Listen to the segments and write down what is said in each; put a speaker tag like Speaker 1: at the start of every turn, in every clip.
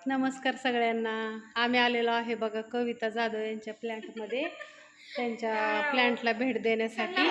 Speaker 1: नमस्कार सगळ्यांना. आम्ही आलेलो आहे बघा कविता जाधव यांच्या प्लॅन्टमध्ये, त्यांच्या प्लॅन्टला भेट देण्यासाठी.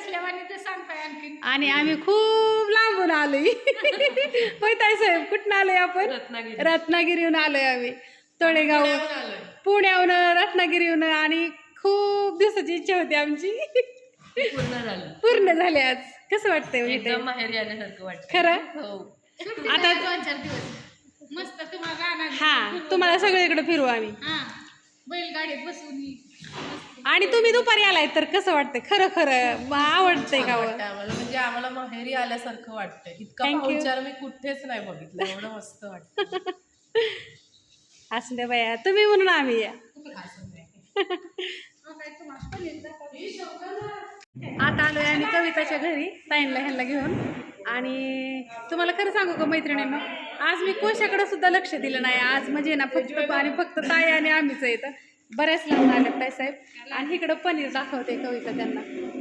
Speaker 1: आणि आम्ही खूप लांबून आलोय. होय ताई साहेब, कुठून आलोय आपण? रत्नागिरीहून आलोय आम्ही. तळेगाव पुण्याहून, रत्नागिरीहून. आणि खूप दिवसाची इच्छा होती आमची, पूर्ण झाली आज. कसं वाटतंय?
Speaker 2: एकदम माहेरी आल्यासारखं वाटतं
Speaker 1: खरं.
Speaker 2: हो.
Speaker 1: आता
Speaker 3: 2-4 दिवस मस्त तुम्हाला
Speaker 1: हा, तुम्हाला सगळीकडे फिरू आम्ही.
Speaker 3: बैलगाडीत बसून.
Speaker 1: आणि तुम्ही दुपारी आलाय तर कसं वाटतंय? खरं खरं आवडतंय का?
Speaker 2: आम्हाला म्हणजे आम्हाला माहेरी आल्यासारखं वाटतं. इतका पाहुणचार मी कुठेच नाही बघितलं. एवढं मस्त वाटतं.
Speaker 1: असं दे बाया, तुम्ही म्हणून आम्ही या. आता आलोय आम्ही कविताच्या घरी, ताईंला ह्यांना घेऊन. आणि तुम्हाला खरं सांगू का मैत्रिणींनो, आज मी कोशाकडे सुद्धा लक्ष दिलं नाही. आज म्हणजे ना फक्त ताई आणि आम्हीच येतं. बऱ्याच लावून आल्यात ताई साहेब. आणि इकडं पनीर दाखवते कविता त्यांना.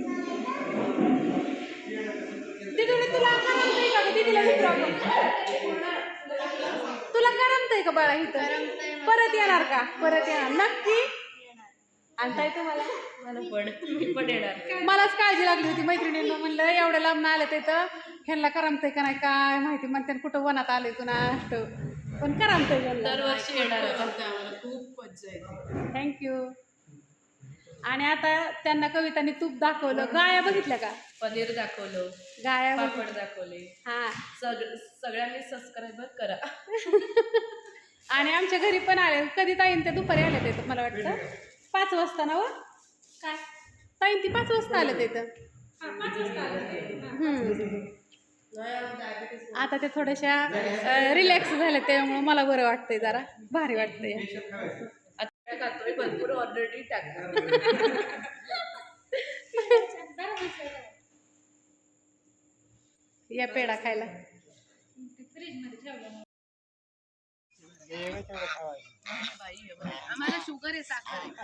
Speaker 1: तुला करमतंय का? दीदीला विचारावं. तुला करमतंय का बाळा इथं? परत येणार का? परत येणार नक्की? आणि ताई तुम्हाला?
Speaker 2: पण येणार.
Speaker 1: मलाच काळजी लागली होती मैत्रिणींना. म्हणलं एवढ्या लांब आलं तिथं, ह्यांना करमतंय का नाही काय माहिती. म्हणते कुठं वनात आलंय कुणा पण करमतंय.
Speaker 2: दरवर्षी येणार आम्हाला. खूप मज्जा येते.
Speaker 1: थँक्यू. आणि आता त्यांना कवितांनी तूप दाखवलं, गाया बघितल्या का?
Speaker 2: पनीर दाखवलं,
Speaker 1: गाया
Speaker 2: पापड दाखवले.
Speaker 1: हा,
Speaker 2: सगळ्यांनी सबस्क्राईब करा.
Speaker 1: आणि आमच्या घरी पण आले. कधी ताईन ते दुपारी आले ते, मला वाटतं 5 वाजता ना. व काय ताईन ती 5 वाजता आले तिथं. आता ते थोड्याशा रिलॅक्स झाले, त्यामुळे मला बरं वाटतंय, जरा भारी वाटतंय.
Speaker 2: खातोय भरपूर ऑलरेडी टाकतो.
Speaker 1: या पेढा खायला.
Speaker 3: आम्हाला शुगर आहे, साखर आहे.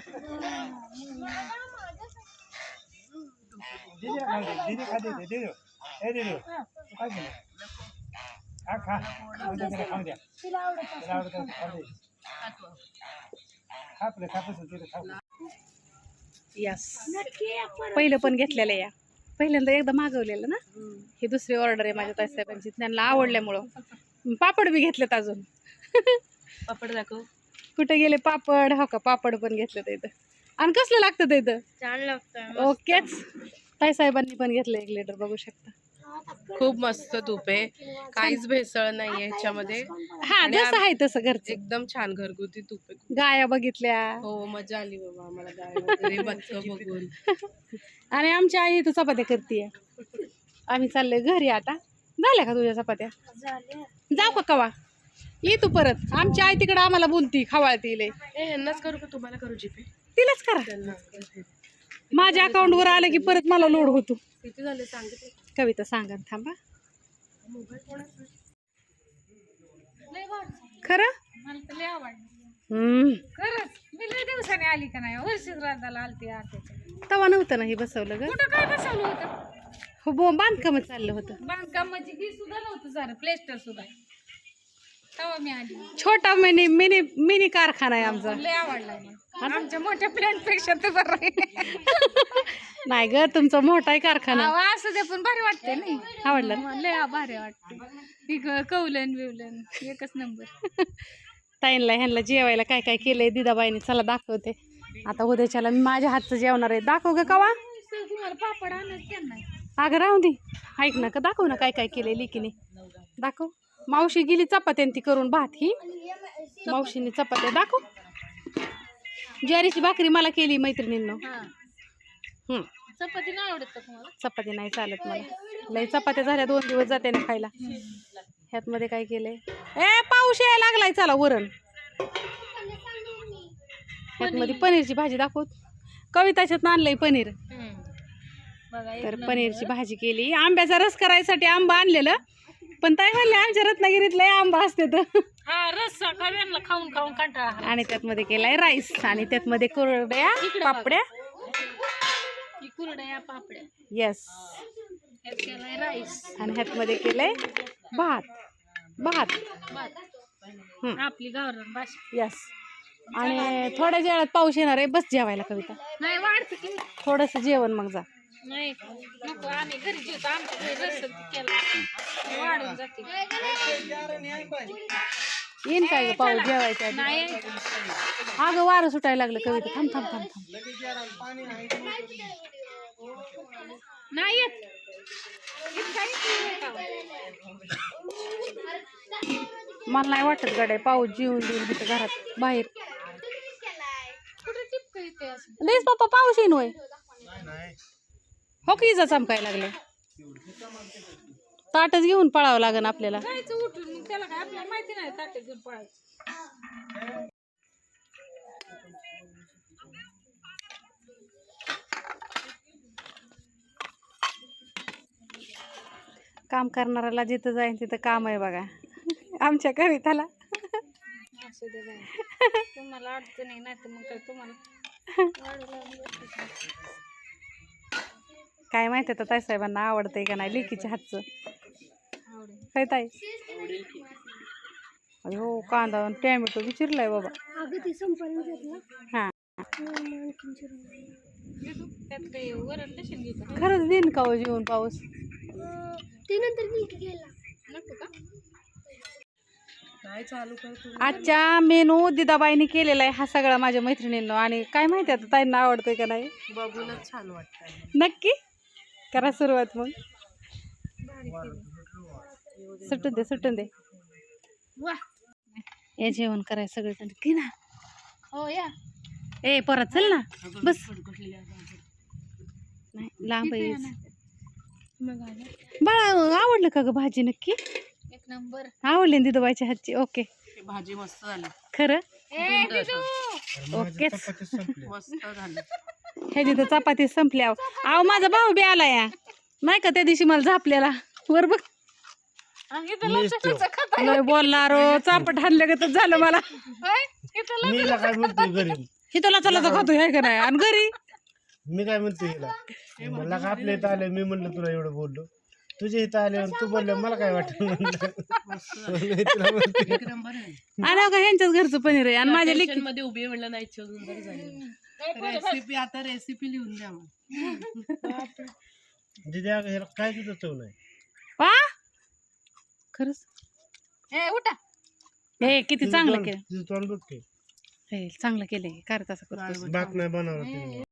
Speaker 1: यस, पहिलं पण घेतलेलं या. पहिल्यांदा एकदा मागवलेलं ना. ही दुसरी ऑर्डर आहे माझ्या ताईसाहेबांची. त्यांना आवडल्यामुळं पापड बी घेतलेत अजून.
Speaker 2: पापड दाखव.
Speaker 1: कुठे गेले पापड? हो का, पापड पण घेतलं इथं. आणि कसलं लागतं ते इथं?
Speaker 3: छान लागतं.
Speaker 1: ओकेच. ताईसाहेबांनी पण घेतलं 1 लिटर, बघू शकता.
Speaker 2: खूप मस्त तूप आहे, काहीच भेसळ नाहीये ह्याच्यामध्ये.
Speaker 1: हा, जसं आहे तसं घरचं.
Speaker 2: एकदम छान घरगुती तूप आहे.
Speaker 1: गाया बघितल्या.
Speaker 2: हो, मजा आली बाबा आम्हाला गाय वगैरे बघून.
Speaker 1: आणि आमची आई इथं चपात्या करते. आम्ही चाललोय घरी आता. झाल्या का तुझ्या चपात्या? जाऊ का कवा? ये तू परत. आमची आई तिकडं आम्हाला बोलती, खवाळती लय.
Speaker 2: ह्यांनाच करू का तुम्हाला करू जीपे?
Speaker 1: तिलाच करा. माझ्या अकाउंटवर आलं की परत मला लोड होतो.
Speaker 2: किती झाले सांगितले?
Speaker 1: कविता सांगा, थांबा. खरं?
Speaker 3: मला तर लय आवडलं. खरंच मी लय दिवसाने आली का नाही. वर्षश्राद्धाला आलती आत्याच्या.
Speaker 1: तवा नव्हतं ना हे बसवलं ग.
Speaker 3: कुठं काय बसवलं होतं?
Speaker 1: हो, बांधकाम चाललं होतं.
Speaker 3: बांधकाम म्हणजे ही सुद्धा नव्हतं झालं, प्लेस्टर सुद्धा. तेव्हा मी आली.
Speaker 1: छोटा मिनी मिनी मिनी कारखाना आहे आमचा.
Speaker 3: लय आवडला मला. आमच्या मोठ्या प्लॅन पेक्षा तर बरं आहे.
Speaker 1: नाही ग, तुमचा मोठा आहे कारखाना.
Speaker 3: असं ते पण भारी वाटते नाही.
Speaker 1: आवडलं ना?
Speaker 3: लय भारी वाटते. कौलन बिवलन एकच नंबर.
Speaker 1: ताईंला ह्यांना जेवायला काय काय केलंय दिदाबाईने, चला दाखवते. आता उद्याच्याला मी माझ्या हातचं जेवणार आहे. दाखव ग कवा.
Speaker 3: तुम्हाला पापड आणत त्यांना.
Speaker 1: अगं राहू दे, ऐक ना, का दाखव ना काय काय केलंय लिकीने. दाखव. मावशी गेली चपात्या ती करून, भात ही मावशीने चपात्या. दाखव. ज्वारीची भाकरी मला केली मैत्रिणींनो.
Speaker 3: चपाती नाही आवडत का तुम्हाला?
Speaker 1: चपाती नाही चालत मला. लय चपात्या झाल्या, 2 दिवस जाते ना खायला. ह्यात मध्ये काय केलंय? पाऊस यायला लागलाय, चला वरण. ह्यात मध्ये पनीरची भाजी दाखव. कविताच्यात आणलंय पनीर. तर पनीरची भाजी केली. आंब्याचा रस करायसाठी आंबा आणलेलं, पण ताई म्हणले आमच्या रत्नागिरीत लय आंबा असते तर.
Speaker 3: रस खाऊन खाऊन कंटाळा.
Speaker 1: आणि त्यात मध्ये केलाय राईस. आणि त्यात मध्ये कुरड्या, पापड्या.
Speaker 3: कुरड्या पापड्या.
Speaker 1: येस.
Speaker 3: राईस.
Speaker 1: आणि ह्यात मध्ये केलंय भात. भात
Speaker 3: आपली गावरान भाषा.
Speaker 1: यस. आणि थोड्या वेळात पाऊस येणार आहे. बस जेवायला कविता.
Speaker 3: नाही वाढते की
Speaker 1: थोडंसं जेवण मग जा.
Speaker 3: नाही नको, आम्ही घरी जेवतो. आमच्या घरी रस्सा केला वाढून जाते.
Speaker 1: येईन काय ग पाऊस जेवायच्या आधी?
Speaker 3: नाही
Speaker 1: अगं वारं सुटायला लागलं कविता. थांब थांब थांब थांब.
Speaker 3: नाही येत.
Speaker 1: मला नाही वाटत गाड्या पाऊस जीवन देईल तिथं घरात बाहेर.
Speaker 3: कुठे टिपक येते असं.
Speaker 1: लईच पप्पा पाऊस येईन होय. हो की इजा चमकायला लागले. ताटच घेऊन पळावं लागेल आपल्याला.
Speaker 3: जायचं उठून मग त्याला काय आपल्याला माहिती नाही ताटे घेऊन पळायचं.
Speaker 1: काम करणाऱ्याला जिथं जाईन तिथं काम आहे बघा. आमच्या कविताला
Speaker 3: असू दे बाई. तुम्हाला अडचण आहे नाही तर मग काय तुम्हाला वाढू लागलं.
Speaker 1: काय माहिती आता ताईसाहेबांना आवडतंय का नाही लेकीच्या हातचं.
Speaker 3: आवडेल.
Speaker 1: काय ताई? हो कांदा आणि टॅमॅटो विचारलाय बाबा. हा
Speaker 3: त्यात काही वरण नसेल घेत.
Speaker 1: खरंच देईन का हो जेवण पाऊस?
Speaker 3: नको का?
Speaker 2: काय चालू करतो
Speaker 1: आजच्या मेनू दिदाबाईने केलेला आहे हा सगळा माझ्या मैत्रिणींना. आणि काय माहिती आता ताईंना आवडतंय का नाही.
Speaker 2: बघूनच छान वाटतंय.
Speaker 1: नक्की करा सुरुवात मग. सुटून दे सुटून दे.
Speaker 3: वा
Speaker 1: हे जेवण करायचं सगळेजण की ना.
Speaker 3: हो या.
Speaker 1: ए परत चल ना बस. नाही लांब आहे. बाळा आवडलं का ग भाजी? नक्की
Speaker 3: एक नंबर.
Speaker 1: आवडली ना दिदूबाईच्या हातची. ओके
Speaker 2: भाजी मस्त झाली.
Speaker 1: खरं
Speaker 3: ए दिदू.
Speaker 1: ओकेच.
Speaker 2: मस्त झाली.
Speaker 1: ह्याची तर चपाती संपल्या. आव माझा भाऊ बी आला या नाही का त्या दिवशी मला झापलेला वर बघ.
Speaker 3: आणि इथं लसूणाचं खाता.
Speaker 1: लय बोलणार हो, चापट हाणलं का तर झालं मला.
Speaker 3: होय? इथं
Speaker 4: मी हिला काय म्हणतो घरी
Speaker 1: ही तुला चला तर खातो आहे का नाही. आणि घरी
Speaker 4: मी काय म्हणतो हिला मला का आपल्या इथं आलं मी म्हणलं तुला एवढं बोललो तुझ्या इथं आल्यावर तू बोललं मला काय वाटलं म्हणलं तुला म्हणते.
Speaker 2: एकदम बरं आहे.
Speaker 1: आणि का ह्यांच्याच घरचं पनीर आहे. आणि माझ्या लेकी
Speaker 2: Kitchen मध्ये उभी आहे म्हणलं नाही शोधून बरं झाली. रेसिपी आता रेसिपी लिहून द्या मग.
Speaker 4: दीदी अगं ह्याला काय तुझं चव नाही.
Speaker 1: वा खरंच
Speaker 3: ए उठा.
Speaker 1: हे किती चांगलं केलं.
Speaker 4: तुझं तोंड बघ की
Speaker 1: हे चांगलं केलंय. करत असं करतो.
Speaker 4: भात नाही बनवला तिने.